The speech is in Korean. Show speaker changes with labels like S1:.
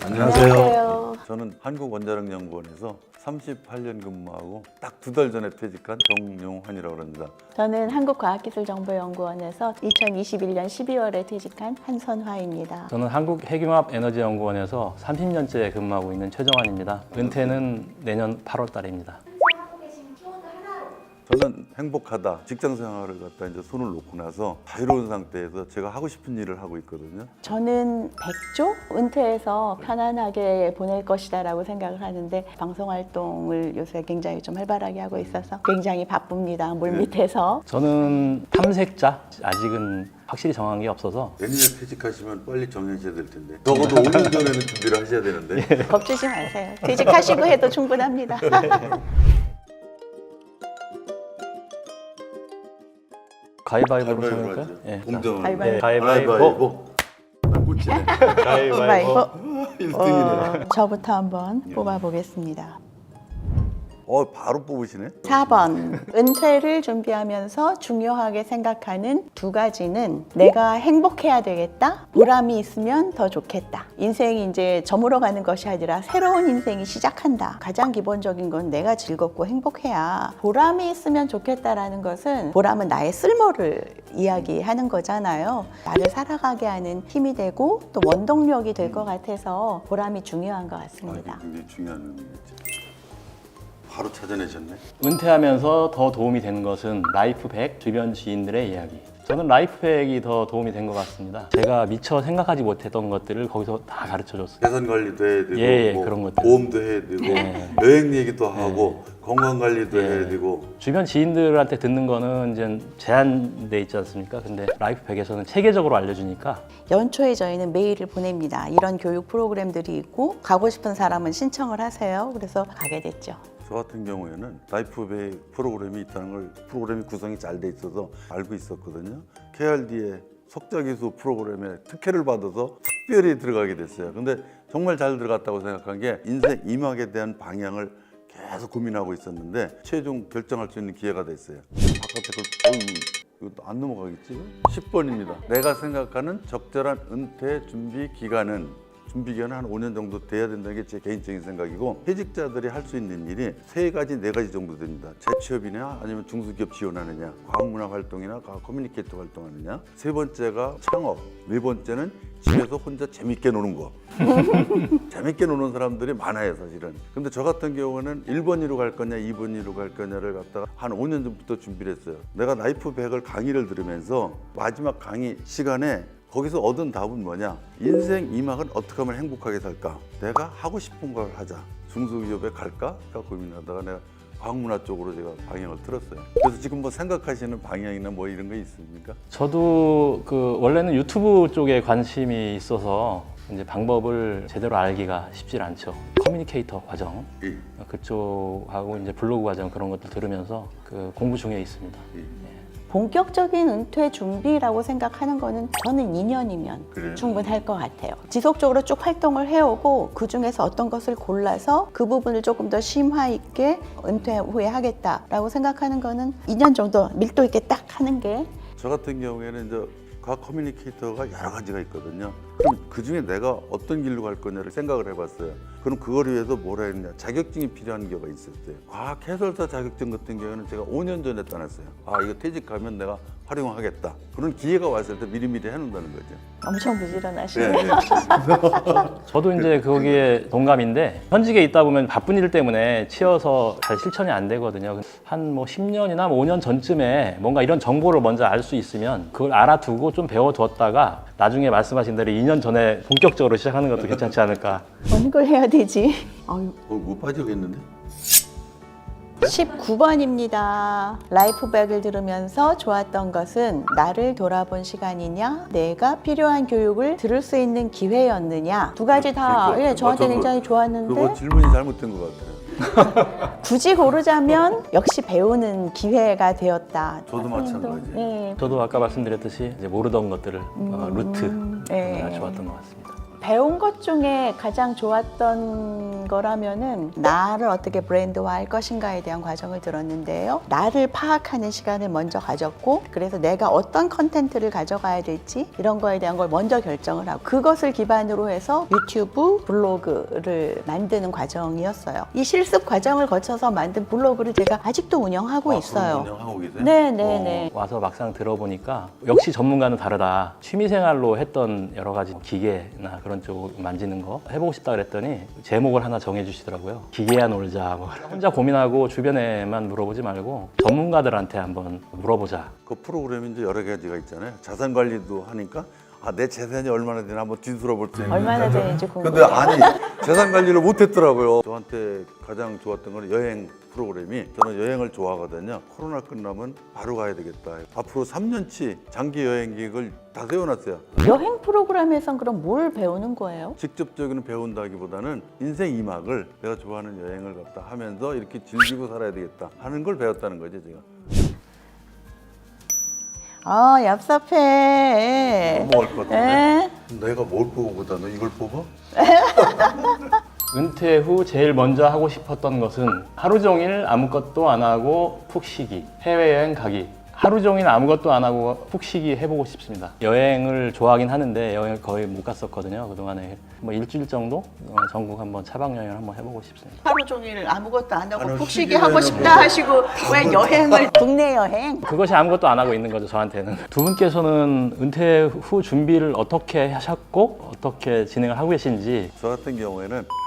S1: 안녕하세요.
S2: 저는 한국원자력연구원에서 38년 근무하고 딱 2달 전에 퇴직한 정용환이라고 합니다.
S1: 저는 한국과학기술정보연구원에서 2021년 12월에 퇴직한 한선화입니다.
S3: 저는 한국핵융합에너지연구원에서 30년째 근무하고 있는 최정환입니다. 은퇴는 내년 8월 달입니다.
S2: 저는 행복하다. 직장 생활을 갖다 이제 손을 놓고 나서 자유로운 상태에서 제가 하고 싶은 일을 하고 있거든요.
S1: 저는 백조? 은퇴해서 편안하게 보낼 것이다라고 생각을 하는데 방송 활동을 요새 굉장히 좀 활발하게 하고 있어서 굉장히 바쁩니다. 물밑에서.
S3: 저는 탐색자. 아직은 확실히 정한 게 없어서
S2: 내년에 퇴직하시면 빨리 정해져야 될 텐데. 적어도 5년 전에는 준비를 하셔야 되는데.
S1: 겁주지 마세요. 퇴직하시고 해도 충분합니다.
S3: 가위바위보로
S2: 가위바위보
S3: 정할까요?
S2: 하죠.
S3: 예.
S2: 공정으로.
S1: 가위바위보.
S3: 가위바위보.
S2: 꽂히네.
S1: 가위바위보.
S2: 1등이네.
S1: 저부터 한번 뽑아보겠습니다.
S2: 바로 뽑으시네.
S1: 4번. 은퇴를 준비하면서 중요하게 생각하는 두 가지는 내가 행복해야 되겠다. 보람이 있으면 더 좋겠다. 인생이 이제 저물어 가는 것이 아니라 새로운 인생이 시작한다. 가장 기본적인 건 내가 즐겁고 행복해야. 보람이 있으면 좋겠다라는 것은 보람은 나의 쓸모를 이야기하는 거잖아요. 나를 살아가게 하는 힘이 되고 또 원동력이 될 것 같아서 보람이 중요한 것 같습니다.
S2: 굉장히 중요한 의미겠죠. 바로 찾아내셨네.
S3: 은퇴하면서 더 도움이 되는 것은 라이프백 주변 지인들의 이야기. 저는 라이프백이 더 도움이 된 것 같습니다. 제가 미처 생각하지 못했던 것들을 거기서 다 가르쳐줬어요.
S2: 재산 관리도 해야 되고,
S3: 예, 그런 것들.
S2: 보험도 해야 되고,
S3: 예.
S2: 여행 얘기도 하고, 건강 관리도
S3: 예.
S2: 해야 되고.
S3: 주변 지인들한테 듣는 거는 이제 제한돼 있지 않습니까? 근데 라이프백에서는 체계적으로 알려주니까
S1: 연초에 저희는 메일을 보냅니다. 이런 교육 프로그램들이 있고 가고 싶은 사람은 신청을 하세요. 그래서 가게 됐죠.
S2: 저 같은 경우에는 라이프백 프로그램이 있다는 걸 프로그램이 구성이 잘 돼 있어서 알고 있었거든요. KRD의 석자기수 프로그램에 특혜를 받아서 특별히 들어가게 됐어요. 근데 정말 잘 들어갔다고 생각한 게 인생 이막에 대한 방향을 계속 고민하고 있었는데 최종 결정할 수 있는 기회가 됐어요. 바깥에 이거 안 넘어가겠지? 10번입니다. 내가 생각하는 적절한 은퇴 준비 기간은 한 5년 정도 돼야 된다는 게 제 개인적인 생각이고, 퇴직자들이 할 수 있는 일이 3가지, 4가지 정도 됩니다. 재취업이냐 아니면 중소기업 지원하느냐, 과학문화 활동이나 과학 커뮤니케이터 활동하느냐, 3번째가 창업, 4번째는 집에서 혼자 재밌게 노는 거. 재밌게 노는 사람들이 많아요, 사실은. 근데 저 같은 경우는 1번으로 갈 거냐 2번으로 갈 거냐를 갖다가 한 5년 전부터 준비를 했어요. 내가 라이프백을 강의를 들으면서 마지막 강의 시간에 거기서 얻은 답은 뭐냐? 인생 이막은 어떻게 하면 행복하게 살까? 내가 하고 싶은 걸 하자. 중소기업에 갈까? 고민하다가 내가 과학문화 쪽으로 제가 방향을 틀었어요. 그래서 지금 뭐 생각하시는 방향이나 뭐 이런 거 있습니까?
S3: 저도 원래는 유튜브 쪽에 관심이 있어서 이제 방법을 제대로 알기가 쉽지 않죠. 커뮤니케이터 과정
S2: 예.
S3: 그쪽하고 이제 블로그 과정 그런 것들 들으면서 공부 중에 있습니다.
S2: 예.
S1: 본격적인 은퇴 준비라고 생각하는 거는 저는 2년이면
S2: 그래요?
S1: 충분할 것 같아요. 지속적으로 쭉 활동을 해오고 그 중에서 어떤 것을 골라서 그 부분을 조금 더 심화 있게 은퇴 후에 하겠다라고 생각하는 거는 2년 정도 밀도 있게 딱 하는 게.
S2: 저 같은 경우에는 이제 과학 커뮤니케이터가 여러 가지가 있거든요. 그럼 그 중에 내가 어떤 길로 갈 거냐를 생각을 해봤어요. 그럼 그걸 위해서 뭐라 했냐? 자격증이 필요한 경우가 있었어요. 과학 해설사 자격증 같은 경우는 제가 5년 전에 따놨어요. 이거 퇴직하면 내가 활용하겠다. 그런 기회가 왔을 때 미리미리 해놓는다는 거죠.
S1: 엄청 부지런하시네요.
S2: 네.
S3: 저도 이제 거기에 동감인데 현직에 있다 보면 바쁜 일 때문에 치여서 잘 실천이 안 되거든요. 한 10년이나 5년 전쯤에 뭔가 이런 정보를 먼저 알 수 있으면 그걸 알아두고 좀 배워두었다가 나중에 말씀하신 대로 2년 전에 본격적으로 시작하는 것도 괜찮지 않을까.
S1: 어느 걸 해야 되지?
S2: 못 빠지겠는데?
S1: 19번입니다. 라이프백을 들으면서 좋았던 것은 나를 돌아본 시간이냐, 내가 필요한 교육을 들을 수 있는 기회였느냐. 두 가지 다 저한테 굉장히 좋았는데
S2: 그거 질문이 잘못된 것 같아요.
S1: 굳이 고르자면 역시 배우는 기회가 되었다.
S2: 저도 마찬가지예요.
S1: 네.
S3: 저도 아까 말씀드렸듯이 이제 모르던 것들을 루트
S1: 네.
S3: 좋았던 것 같습니다.
S1: 배운 것 중에 가장 좋았던 거라면은 나를 어떻게 브랜드화할 것인가에 대한 과정을 들었는데요. 나를 파악하는 시간을 먼저 가졌고, 그래서 내가 어떤 컨텐츠를 가져가야 될지 이런 거에 대한 걸 먼저 결정을 하고, 그것을 기반으로 해서 유튜브 블로그를 만드는 과정이었어요. 이 실습 과정을 거쳐서 만든 블로그를 제가 아직도 운영하고 있어요.
S2: 운영하고 계세요?
S1: 네네네.
S3: 와서 막상 들어보니까 역시 전문가는 다르다. 취미생활로 했던 여러 가지 기계나 그런 쪽 만지는 거 해보고 싶다 그랬더니 제목을 하나 정해주시더라고요. 기계야 놀자. 뭐. 혼자 고민하고 주변에만 물어보지 말고 전문가들한테 한번 물어보자.
S2: 그 프로그램이 이제 여러 가지가 있잖아요. 자산 관리도 하니까 내 재산이 얼마나 되나 한번 뒤돌아볼 수 있는.
S1: 얼마나 되는지
S2: 근데
S1: 궁금해요.
S2: 아니 재산 관리를 못했더라고요. 저한테 가장 좋았던 건 여행 프로그램이, 저는 여행을 좋아하거든요. 코로나 끝나면 바로 가야 되겠다. 앞으로 3년치 장기 여행 계획을 다 세워놨어요.
S1: 여행 프로그램에선 그럼 뭘 배우는 거예요?
S2: 직접적인 배운다기보다는 인생 2막을 내가 좋아하는 여행을 갔다 하면서 이렇게 즐기고 살아야 되겠다 하는 걸 배웠다는 거죠, 제가.
S1: 얍삽해.
S2: 넘어갈 것 같은데?
S1: 에?
S2: 내가 뭘 뽑아보다 너 이걸 뽑아?
S3: 은퇴 후 제일 먼저 하고 싶었던 것은 하루 종일 아무것도 안 하고 푹 쉬기, 해외여행 가기. 하루 종일 아무것도 안 하고 푹 쉬기 해보고 싶습니다. 여행을 좋아하긴 하는데 여행을 거의 못 갔었거든요. 그동안에 뭐 일주일 정도 전국 한번 차박 여행을 한번 해보고 싶습니다.
S1: 하루 종일 아무것도 안 하고
S2: 아니,
S1: 푹 쉬기
S2: 쉬기
S1: 하고
S2: 여행은
S1: 싶다
S2: 뭐.
S1: 하시고 왜 여행을 국내 여행?
S3: 그것이 아무것도 안 하고 있는 거죠, 저한테는. 두 분께서는 은퇴 후 준비를 어떻게 하셨고 어떻게 진행을 하고 계신지.
S2: 저 같은 경우에는